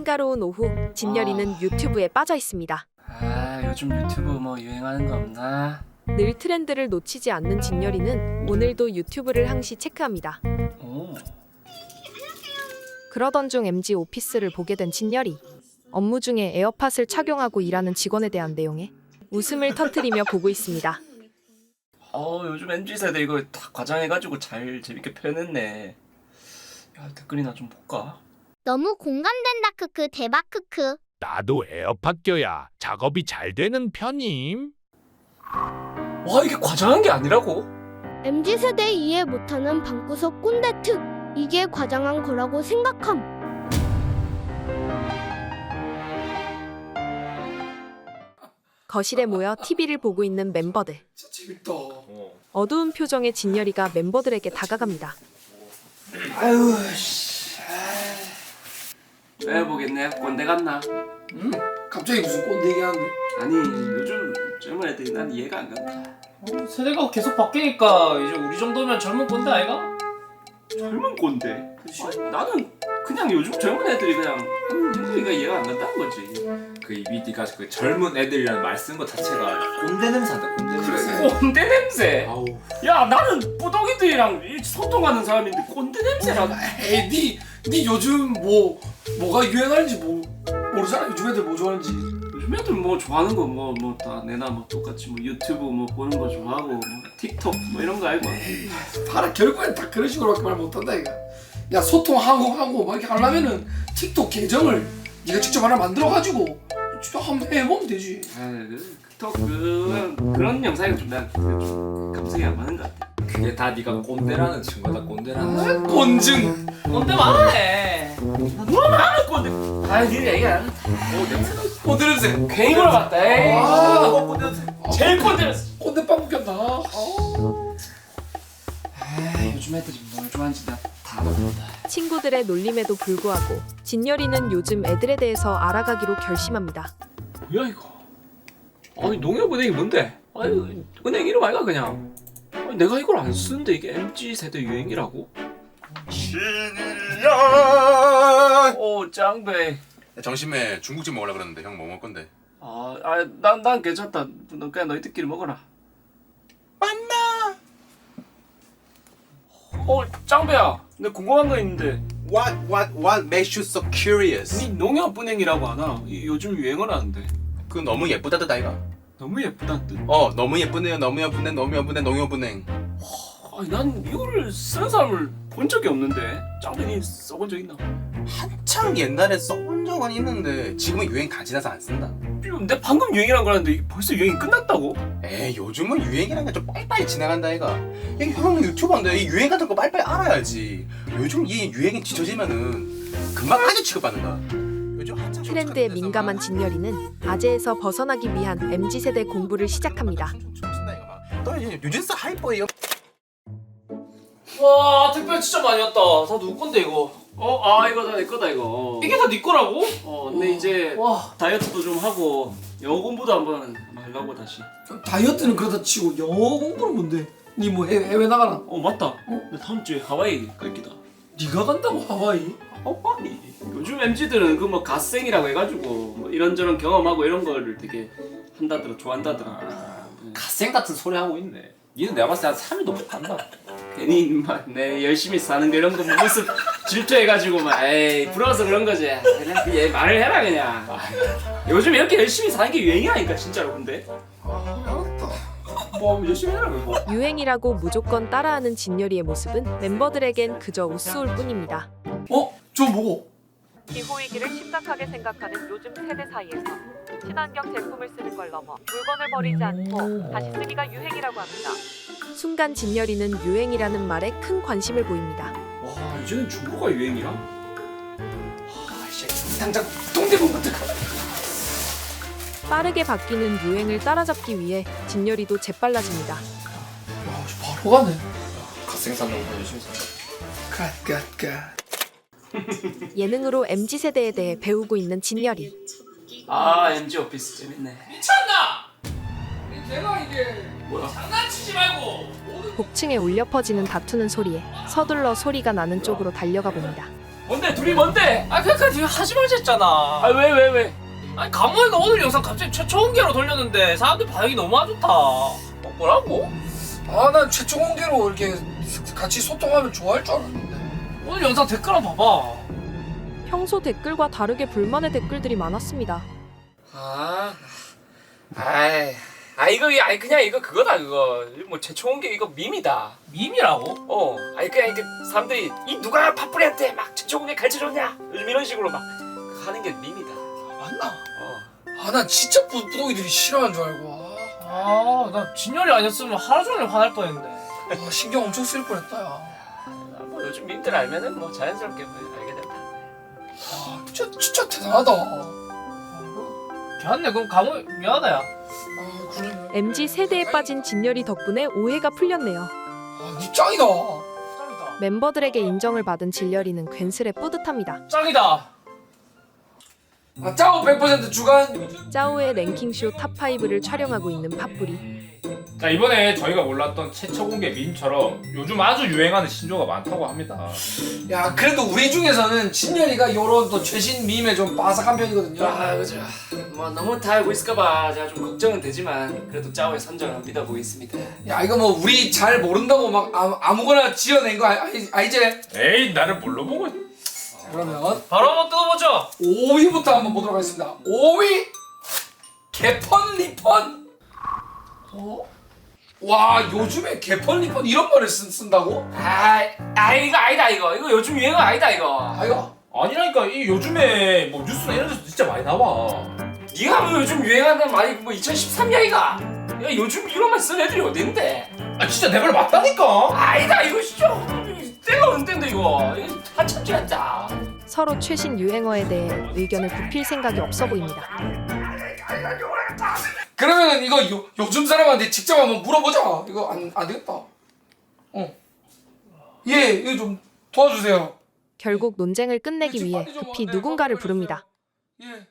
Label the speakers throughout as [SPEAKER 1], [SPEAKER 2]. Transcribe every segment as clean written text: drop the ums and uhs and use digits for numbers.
[SPEAKER 1] 한가로운 오후, 진열이는 유튜브에 빠져 있습니다.
[SPEAKER 2] 아, 요즘 유튜브 뭐 유행하는 거 없나?
[SPEAKER 1] 늘 트렌드를 놓치지 않는 진열이는 오늘도 유튜브를 항시 체크합니다.
[SPEAKER 2] 오.
[SPEAKER 1] 그러던 중 MG 오피스를 보게 된 진열이. 업무 중에 에어팟을 착용하고 일하는 직원에 대한 내용에 웃음을 터뜨리며 보고 있습니다.
[SPEAKER 2] 요즘 MZ세대 이거 다 과장해가지고 잘 재밌게 표현했네. 야, 댓글이나 좀 볼까?
[SPEAKER 3] 너무 공감된다 크크 대박 크크.
[SPEAKER 4] 나도 에어팟 껴야 작업이 잘 되는 편임.
[SPEAKER 2] 와, 이게 과장한 게 아니라고?
[SPEAKER 3] MZ세대 이해 못하는 방구석 꼰대 특. 이게 과장한 거라고 생각함.
[SPEAKER 1] 거실에 모여 TV를 보고 있는 멤버들.
[SPEAKER 5] 진짜 재밌다.
[SPEAKER 1] 어두운 표정의 진열이가 멤버들에게 다가갑니다.
[SPEAKER 5] 아유 씨.
[SPEAKER 2] 왜 보겠네? 꼰대 같나?
[SPEAKER 5] 갑자기 무슨 꼰대 얘기하는데?
[SPEAKER 2] 아니, 요즘 젊은 애들이 난 이해가 안 간다.
[SPEAKER 6] 세대가 계속 바뀌니까 이제 우리 정도면 젊은 꼰대 아이가?
[SPEAKER 2] 젊은 꼰대? 나는 그냥 요즘 젊은 애들이 그냥 하는 행동이가 이해가 안 간다는 거지.
[SPEAKER 7] 그 이미 네가 그 젊은 애들이라는 말 쓴 거 자체가 꼰대 냄새 난다. 꼰대 냄새.
[SPEAKER 2] 꼰대 냄새.
[SPEAKER 7] 아우.
[SPEAKER 2] 야, 나는 뿌덕이들이랑 소통하는 사람인데 꼰대 냄새라.
[SPEAKER 5] 에이 니 요즘 뭐가 유행하는지 모르잖아. 요즘 애들 뭐 좋아하는지.
[SPEAKER 2] 요즘 애들 뭐 좋아하는 거 뭐 다 내나 뭐 똑같이 뭐 유튜브 뭐 보는 거 좋아하고 뭐 틱톡 뭐 이런 거 알고.
[SPEAKER 5] 봐라 결국엔 다 그런 식으로밖에 말 못한다 이거. 야 소통하고 막 이렇게 하려면은 틱톡 계정을 네가 직접 하나 만들어가지고 진짜 한번 해보면 되지.
[SPEAKER 2] 틱톡 그런 영상이 좀 내가 좀 감성이 안 맞는 것 같아.
[SPEAKER 7] 그게 다 네가 꼰대라는 친구다. 꼰대라는.
[SPEAKER 5] 꼰증.
[SPEAKER 6] 꼰대 많네.
[SPEAKER 2] 뭐 많은 꼰대. 니 얘기 안 한다.
[SPEAKER 7] 오 냄새나.
[SPEAKER 5] 꼰대 냄새.
[SPEAKER 2] 괜히 물어봤다. 에이.
[SPEAKER 7] 꼰대 냄새.
[SPEAKER 2] 제일 꼰대 냄새.
[SPEAKER 5] 꼰대빵 웃겼다.
[SPEAKER 2] 요즘 애들이 뭘 좋아하는지 나 다 모른다.
[SPEAKER 1] 친구들의 놀림에도 불구하고 진열이는 요즘 애들에 대해서 알아가기로 결심합니다.
[SPEAKER 2] 뭐야 이거? 아니 농협은행이 뭔데? 아니 은행 이름 아이가 그냥. 아니, 내가 이걸 안 쓰는데 이게 MZ 세대 유행이라고?
[SPEAKER 7] 신이야.
[SPEAKER 2] 짱배.
[SPEAKER 8] 점심에 중국집 먹으려 그러는데 형 뭐 먹을 건데?
[SPEAKER 2] 난 괜찮다. 너 그냥 너희들끼리 먹어라.
[SPEAKER 8] 만나.
[SPEAKER 2] 짱배야. 내가 궁금한 거 있는데.
[SPEAKER 8] What makes you so curious?
[SPEAKER 2] 니 농협은행이라고 하나? 요즘 유행을 하는데.
[SPEAKER 8] 그 너무 예쁘다듯 아이가?
[SPEAKER 2] 너무 예쁘단 뜻.
[SPEAKER 8] 너무 예쁘네요. 너무 예쁘네. 너무 예쁘네. 농협은행.
[SPEAKER 2] 아니 난 이거를 쓰는 사람을 본 적이 없는데. 짱배 니 써본 적 있나?
[SPEAKER 8] 한창 옛날에 써본 적은 있는데 지금은 유행 다 지나서 안 쓴다.
[SPEAKER 2] 내가 방금 유행이란 거라는데 벌써 유행이 끝났다고?
[SPEAKER 8] 에이 요즘은 유행이란 게 좀 빨리빨리 지나간다 아이가. 야, 형 유튜버인데 이 유행 같은 거 빨리빨리 알아야지. 요즘 이 유행이 뒤처지면은 금방 아재 취급받는다. 요즘 한창
[SPEAKER 1] 트렌드에 민감한 진열이는 아재에서 벗어나기 위한 MZ세대 공부를 시작합니다.
[SPEAKER 8] 너 뉴진스 하이퍼예요.
[SPEAKER 6] 와 택배 진짜 많이 왔다. 다 누구 건데 이거?
[SPEAKER 2] 이거 다 내 거다 이거.
[SPEAKER 6] 이게 다 네 거라고?
[SPEAKER 2] 근데 이제
[SPEAKER 6] 와.
[SPEAKER 2] 다이어트도 좀 하고 영어 공부도 한번 하려고 다시.
[SPEAKER 5] 다이어트는 그러다 치고 영어 공부는 뭔데? 니 뭐 해외 나가나?
[SPEAKER 2] 맞다. 나 다음 주에 하와이 갈 기다.
[SPEAKER 5] 네가 간다고 하와이?
[SPEAKER 2] 하와이. 요즘 MZ들은 그 뭐 갓생이라고 해가지고 뭐 이런저런 경험하고 이런 거를 되게 한다더라, 좋아한다더라.
[SPEAKER 6] 갓생 같은 소리 하고 있네.
[SPEAKER 7] 니는 내가 봤을 때 한 3일 넘게 간다.
[SPEAKER 2] 괜히 인마 내 열심히 사는 거 이런 거 모습 질투해가지고 막 에이 부러워서 그런 거지. 그냥 얘 말을 해라 그냥. 요즘 이렇게 열심히 사는 게 유행이라니까 진짜로. 근데 뭐 열심히 해라 그거.
[SPEAKER 1] 유행이라고 무조건 따라하는 진열이의 모습은 멤버들에겐 그저 우스울 뿐입니다.
[SPEAKER 5] 저 뭐고?
[SPEAKER 9] 기후위기를 심각하게 생각하는 요즘 세대 사이에서 친환경 제품을 쓰는 걸 넘어 물건을 버리지 않고 다시 쓰기가 유행이라고 합니다.
[SPEAKER 1] 순간 진열이는 유행이라는 말에 큰 관심을 보입니다.
[SPEAKER 2] 와 이제는 중고가 유행이야? 당장 동대문부터 가.
[SPEAKER 1] 빠르게 바뀌는 유행을 따라잡기 위해 진열이도 재빨라집니다.
[SPEAKER 5] 야, 바로 가네.
[SPEAKER 7] 갓생 산다고 열심히 산다.
[SPEAKER 5] 갓.
[SPEAKER 1] 예능으로 MZ세대에 대해 배우고 있는 진열이.
[SPEAKER 2] MG 오피스 재밌네.
[SPEAKER 6] 미쳤나? 내가 이게
[SPEAKER 2] 뭐야?
[SPEAKER 6] 장난치지 말고.
[SPEAKER 1] 복층에 울려 퍼지는 다투는 소리에 서둘러 소리가 나는 쪽으로 달려가 봅니다.
[SPEAKER 2] 뭔데 둘이 뭔데?
[SPEAKER 6] 아 그러니까 네가 하지 말자 했잖아.
[SPEAKER 2] 아 왜?
[SPEAKER 6] 아니 강모이가 오늘 영상 갑자기 최초 공개로 돌렸는데 사람들 반응이 너무 안 좋다.
[SPEAKER 2] 뭐라고?
[SPEAKER 5] 아 난 최초 공개로 이렇게 같이 소통하면 좋아할 줄 알았는데.
[SPEAKER 6] 오늘 영상 댓글 한번 봐봐.
[SPEAKER 1] 평소 댓글과 다르게 불만의 댓글들이 많았습니다.
[SPEAKER 2] 이거 그냥 이거 그거다 그거 뭐 최초 공개 이거 밈이다.
[SPEAKER 6] 밈이라고?
[SPEAKER 2] 아니 그냥 이게 사람들이 이 누가 파뿌리한테 막 최초 공개 가르쳐줬냐 요즘 이런 식으로 막 하는 게 밈이다.
[SPEAKER 5] 맞나? 아 난 진짜 부동이들이 싫어하는 줄 알고.
[SPEAKER 6] 나 진열이 아니었으면 하루 종일 화날 뻔했는데.
[SPEAKER 5] 신경 엄청 쓸 뻔했다 야.
[SPEAKER 2] 뭐 요즘 밈들 알면은 뭐 자연스럽게 뭐 알게 된다.
[SPEAKER 5] 진짜 대단하다.
[SPEAKER 6] 걔한테 그럼 강모 미안하다 야.
[SPEAKER 5] 그래.
[SPEAKER 1] MZ 세대에 빠진 진열이 덕분에 오해가 풀렸네요.
[SPEAKER 5] 니 짱이다.
[SPEAKER 6] 짱이다.
[SPEAKER 1] 멤버들에게 인정을 받은 진열이는 괜스레 뿌듯합니다.
[SPEAKER 6] 짱이다.
[SPEAKER 5] 짜오 100% 주간.
[SPEAKER 1] 짜오의 랭킹쇼 탑5를 촬영하고 있는 팥뿌리.
[SPEAKER 7] 자 이번에 저희가 몰랐던 최초 공개 밈처럼 요즘 아주 유행하는 신조어가 많다고 합니다.
[SPEAKER 5] 야 그래도 우리 중에서는 진열이가 요런 또 최신 밈에 좀 빠삭한 편이거든요.
[SPEAKER 2] 그죠. 뭐 너무 다 알고 있을까봐 제가 좀 걱정은 되지만 그래도 짜오의 선정을 믿어보겠습니다.
[SPEAKER 5] 야 이거 뭐 우리 잘 모른다고 막 아무거나 지어낸 거 아니지?
[SPEAKER 7] 에이 나를 뭘로 보고 있...
[SPEAKER 5] 자, 그러면
[SPEAKER 6] 바로 한번 뜯어보죠.
[SPEAKER 5] 5위부터 한번 보도록 하겠습니다. 5위 개펀 리펀. 와 요즘에 개펀 리펀 이런 말을 쓴다고?
[SPEAKER 2] 이거 아니다 이거 요즘 유행어 아니다 이거.
[SPEAKER 5] 이거
[SPEAKER 7] 아니라니까 이 요즘에 뭐 뉴스나 이런 데서 진짜 많이 나와.
[SPEAKER 2] 네가 뭐 요즘 유행하는 말이 뭐 2013년이가? 야 요즘 이런 말 쓰는 애들이 어딘데?
[SPEAKER 7] 아 진짜 내 말 맞다니까.
[SPEAKER 2] 아니다 이거 진짜 때가 언젠데 이거 한참 지났다.
[SPEAKER 1] 서로 최신 유행어에 대해 의견을 굽힐 생각이 없어 보입니다.
[SPEAKER 5] 그러면 이거 요즘 사람한테 직접 한번 물어보자. 이거 안 되겠다. 이거 좀 도와주세요.
[SPEAKER 1] 결국 논쟁을 끝내기 위해 급히 누군가를 부릅니다.
[SPEAKER 5] 예.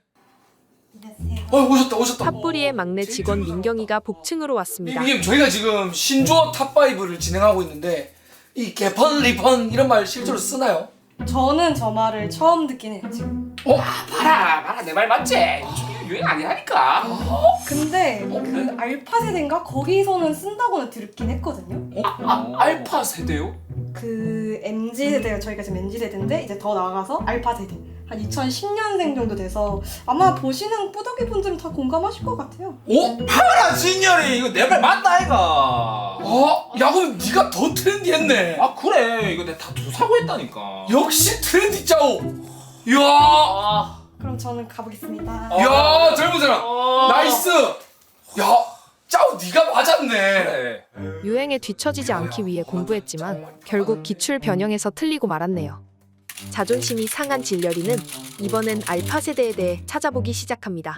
[SPEAKER 5] 오셨다.
[SPEAKER 1] 팥뿌리의 막내 직원 민경이가 복층으로 왔습니다.
[SPEAKER 5] 이게 저희가 지금 신조어 탑5를 진행하고 있는데 이 개펀 리펀 이런 말 실제로 쓰나요?
[SPEAKER 10] 저는 저 말을 처음 듣긴 해요 지금.
[SPEAKER 2] 봐라 내 말 맞지? 요즘 이거 유행 아니라니까.
[SPEAKER 10] 근데 그 알파 세대인가 거기서는 쓴다고는 들었긴 했거든요.
[SPEAKER 2] 알파 세대요?
[SPEAKER 10] 그 MZ 세대가 저희가 지금 MZ 세대인데 이제 더 나아가서 알파 세대 한 2010년생 정도 돼서 아마 보시는 뿌덕이 분들은 다 공감하실 것 같아요.
[SPEAKER 7] 봐라 진열이 이거 내 말 맞다 아이가.
[SPEAKER 5] 야 그럼 네가 더 트렌디했네.
[SPEAKER 7] 아 그래 이거 내가 다투 사고 했다니까.
[SPEAKER 5] 역시 트렌디 짜오. 이야.
[SPEAKER 10] 그럼 저는 가보겠습니다.
[SPEAKER 5] 야 젊은 사람 나이스. 야 짜오 네가 맞았네.
[SPEAKER 7] 그래.
[SPEAKER 1] 유행에 뒤처지지 않기 위해 공부했지만 결국 기출 변형에서 틀리고 말았네요. 자존심이 상한 진열이는 이번엔 알파 세대에 대해 찾아보기 시작합니다.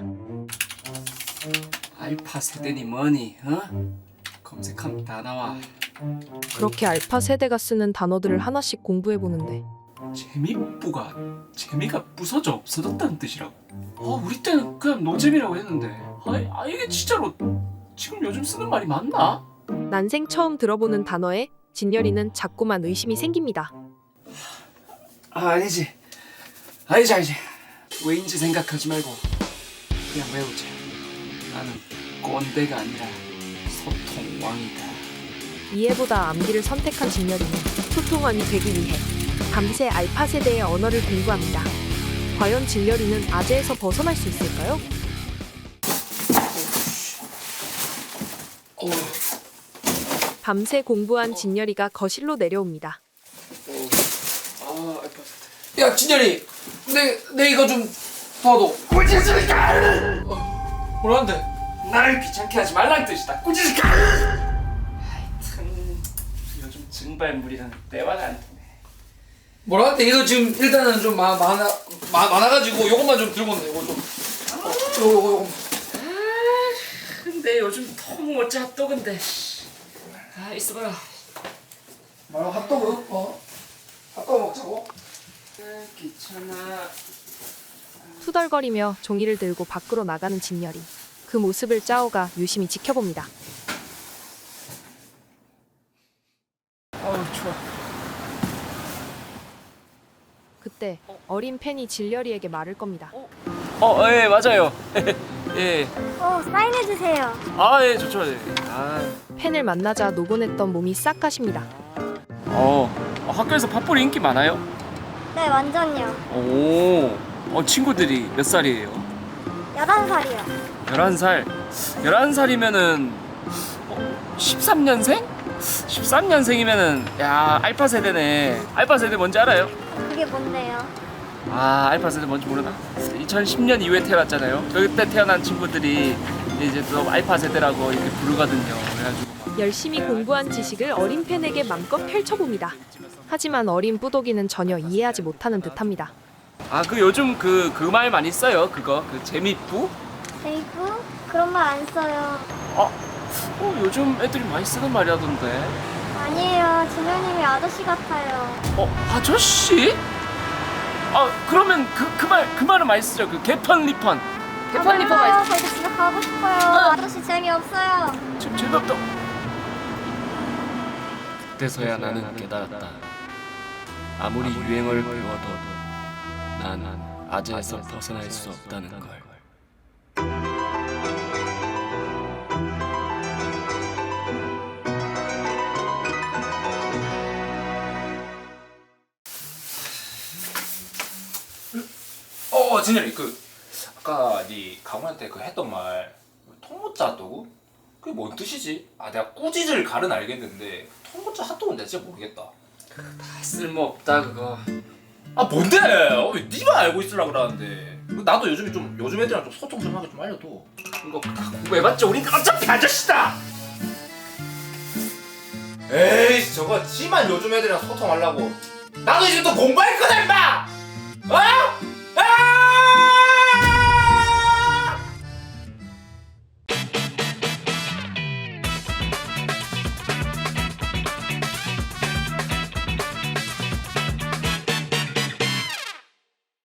[SPEAKER 2] 알파 세대니 뭐니 검색하면 다 나와.
[SPEAKER 1] 그렇게 알파 세대가 쓰는 단어들을 하나씩 공부해보는데
[SPEAKER 2] 재미가 부서져 없어졌다는 뜻이라고. 우리 때는 그냥 노잼이라고 했는데 이게 진짜로 지금 요즘 쓰는 말이 맞나?
[SPEAKER 1] 난생 처음 들어보는 단어에 진열이는 자꾸만 의심이 생깁니다.
[SPEAKER 2] 아니지 왜인지 생각하지 말고 그냥 외우자. 나는 꼰대가 아니라 소통왕이다.
[SPEAKER 1] 이해보다 암기를 선택한 진열이는 소통왕이 되기 위해 밤새 알파 세대의 언어를 공부합니다. 과연 진열이는 아재에서 벗어날 수 있을까요? 밤새 공부한 진열이가 거실로 내려옵니다.
[SPEAKER 5] 야 진열이 내 이거 좀 도와줘. 꾸짖으니까. 뭐라는데?
[SPEAKER 2] 나를 귀찮게 하지 말라는 뜻이다. 꾸짖으니까. 하여튼 요즘 증발물이랑 대화가 안 되네.
[SPEAKER 5] 뭐라는데? 이거 지금 일단은 좀 많아가지고 요것만 좀 들고 온다. 이거 좀. 요거.
[SPEAKER 2] 근데 요즘 너무 어찌 핫도그인데. 있어봐라.
[SPEAKER 5] 말로 핫도그? 핫도그 먹자고?
[SPEAKER 2] 귀찮아.
[SPEAKER 1] 투덜거리며 종이를 들고 밖으로 나가는 진열이. 그 모습을 짜오가 유심히 지켜봅니다.
[SPEAKER 2] 좋아.
[SPEAKER 1] 이때 어린 팬이 진열이에게 말을 겁니다.
[SPEAKER 2] 예 맞아요. 예.
[SPEAKER 3] 사인해주세요.
[SPEAKER 2] 예 좋죠. 예.
[SPEAKER 1] 팬을 만나자 노곤했던 몸이 싹 가십니다.
[SPEAKER 2] 학교에서 팝뿌리 인기 많아요?
[SPEAKER 3] 네, 완전요.
[SPEAKER 2] 친구들이 몇 살이에요?
[SPEAKER 3] 11살이요.
[SPEAKER 2] 11살. 11살이면은 13년생? 13년생이면은 야 알파 세대네. 알파 세대 뭔지 알아요?
[SPEAKER 3] 그게 뭔데요?
[SPEAKER 2] 알파 세대 뭔지 모르나? 2010년 이후에 태어났잖아요. 그때 태어난 친구들이 이제 또 알파 세대라고 이렇게 부르거든요. 그래가지고
[SPEAKER 1] 열심히 공부한 지식을 어린 팬에게 맘껏 펼쳐봅니다. 하지만 어린 뿌독이는 전혀 이해하지 못하는 듯합니다.
[SPEAKER 2] 그 요즘 그 말 많이 써요. 그거 그 재미뿌?
[SPEAKER 3] 제이프? 그런 말 안 써요.
[SPEAKER 2] 요즘 애들이 많이 쓰는 말이라던데.
[SPEAKER 3] 아니에요. 진호님이 아저씨 같아요.
[SPEAKER 2] 아저씨? 그러면 그 말은 많이 쓰죠. 그 개펀 리펀. 개펀 리펀 많이
[SPEAKER 3] 저 이제 집에 가고 싶어요. 아저씨 재미없어요.
[SPEAKER 2] 지금 재미없다. 그때서야 나는 깨달았다. 아무리 유행어를 배워도 난 아재에서 벗어날 수 없다는 걸.
[SPEAKER 7] 진열이 아까 네 강훈한테 했던 말 통모짜 핫도그? 그게 뭔 뜻이지? 내가 꾸짖을 갈은 알겠는데 통모짜 핫도그는 내가 진짜 모르겠다.
[SPEAKER 2] 쓸모없다 그거.
[SPEAKER 7] 뭔데? 왜 네가 알고 있으려고 그러는데. 나도 요즘 애들이랑 좀 소통 좀 하게 좀 알려줘.
[SPEAKER 2] 이거 공부해봤자 우린 어차피 아저씨다.
[SPEAKER 7] 에이 저거 지만 요즘 애들이랑 소통하려고. 나도 이제 또 공부할 거다 임마!